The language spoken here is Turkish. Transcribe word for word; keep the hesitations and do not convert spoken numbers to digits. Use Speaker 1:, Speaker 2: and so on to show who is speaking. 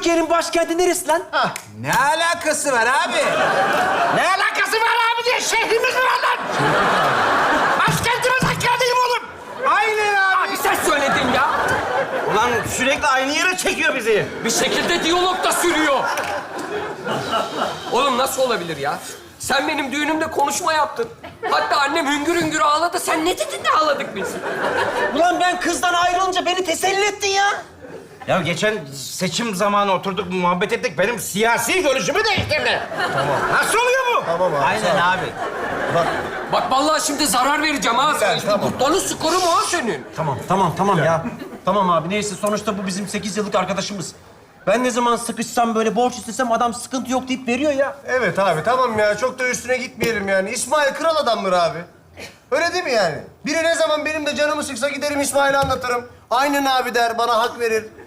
Speaker 1: Türkiye'nin başkenti neresi lan?
Speaker 2: Hah,
Speaker 3: Ne alakası var abi?
Speaker 2: ne alakası var abi diye şehrimiz var lan! Başkentimiz Hakkari'yim oğlum!
Speaker 3: Aynen abi.
Speaker 1: Abi sen söyledin ya.
Speaker 4: Ulan sürekli aynı yere çekiyor bizi.
Speaker 1: Bir şekilde diyalog da sürüyor. Oğlum nasıl olabilir ya? Sen benim düğünümde konuşma yaptın. Hatta annem hüngür hüngür ağladı. Sen ne dedin de ağladık biz?
Speaker 4: Ulan ben kızdan ayrılınca beni teselli ettin ya. Ya geçen seçim zamanı oturduk, muhabbet ettik. Benim siyasi görüşümü değiştirdi. Tamam. Nasıl oluyor bu?
Speaker 2: Tamam abi.
Speaker 4: Aynen abi.
Speaker 1: Bak vallahi şimdi zarar vereceğim ha.
Speaker 2: Güzel,
Speaker 1: İşte
Speaker 2: tamam.
Speaker 1: Kurtlanın skoru mu ha senin?
Speaker 5: Tamam, tamam, tamam ya. Tamam abi, neyse sonuçta bu bizim sekiz yıllık arkadaşımız. Ben ne zaman sıkışsam, böyle borç istesem adam sıkıntı yok deyip veriyor ya.
Speaker 2: Evet abi tamam ya çok da üstüne gitmeyelim yani. İsmail kral adamdır abi. Öyle değil mi yani? Biri ne zaman benim de canımı sıksa giderim İsmail'e anlatırım. Aynen abi der, bana hak verir.